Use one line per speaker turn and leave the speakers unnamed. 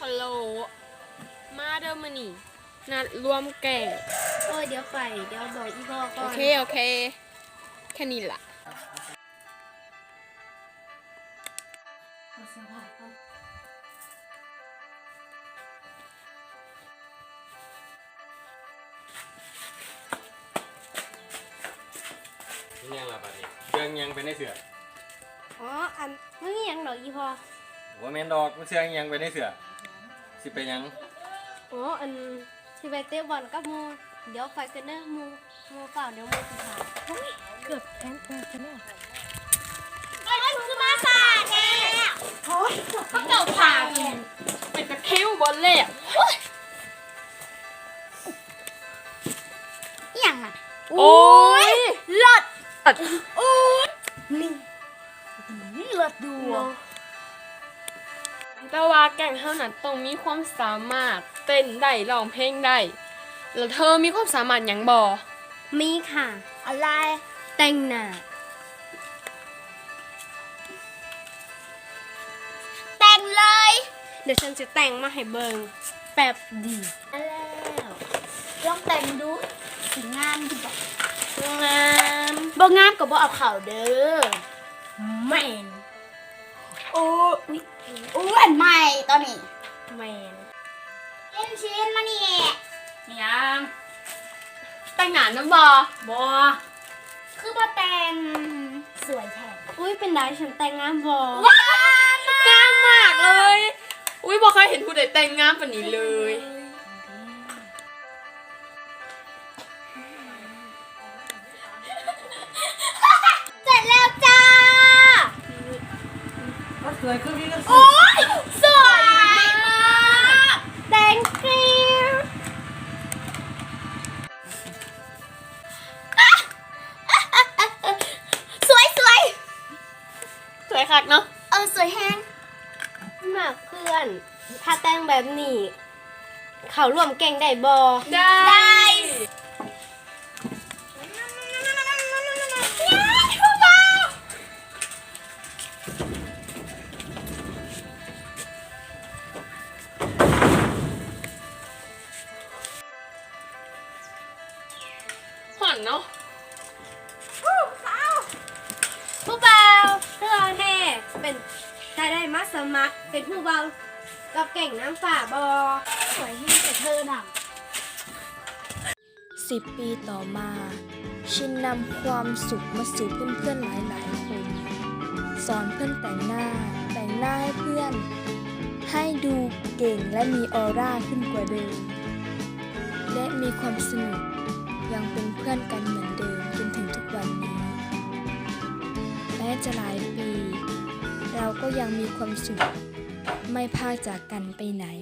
ฮัลโหลมาเด้อมานี่นัดรวมแก่ง
เดี๋ยวไปเดี๋ยวบอกอีพ่อก่อน
โอเคแค่นี้ล่ะ
นี่ยังละบัดนี้เครื่องยังไปในเสือ
อันมึงยังดอกอีพ่อ
ว่าแม่นดอกมันเสือยังไปในเสือสิไปยัง
อันสิไปเตะบอลกับหมูเดี๋ยวไปกันเด้อหมูเปล่าเดี๋ยวหมูสิพาเกือบแพ้กันแล้วคือมาสาแน่
เจ้าพาเป็นตะเข้วบอลเล่อะ
อย่างอ่ะ
โอ้ย
เลิศโอ้ยนี่เลิศดู
แต่ว่าแก่งเท่านั้นต้องมีความสามารถเต้นได้ร้องเพลงได้แล้วเธอมีความสามารถหยังบ่
มีค่ะอะไรแต่งหน้าแต่งเลยเดี๋ยวฉันจะแต่งมาให้เบิงแป๊บดีแล้วลองแต่งดูสิงามดีบ่งามบ่งามก็บ่เอาเข่าเด้อแม่นโอ้ยอ้วนใหม่ตอนนี้แม่นเล่นชิ้นมานี่
ยังแต่งหน้านะบ่
คือบ่แต่งสวยแท้อุ้ยเป็นไรฉันแต่งงามบ่
งามมากเลยอุ้ยบ่เคยเห็นผู้ใดแต่งงามปานนี้เลย
เสร็จแล้วจ้า
สวยขึ้นนี่ก็
โอ้ยสวยมาก thank you สวย
สวยคักเนาะ
สวยแฮงมากเพื่อน ถ้าแต่งแบบนี้ เขาร่วมแก่งได้บ่
ได้ห่อนเนาะ
ผู้เบาเพื่อนแท้เป็นถ้าได้มาสมัครเป็นผู้เบากับแก่งน้ำฝ่าบอสวยให้แต่เธอน่ะ
10 ปีต่อมา ชินนำความสุขมาสู่เพื่อนๆหลายๆคน สอนเพื่อนแต่งหน้าให้เพื่อน ให้ดูเก่งและมีออร่าขึ้นกว่าเดิม และมีความสนุกยังเป็นเพื่อนกันเหมือนเดิมจนถึงทุกวันนี้ แม้จะหลายปี เราก็ยังมีความสุขไม่พากจากกันไปไหน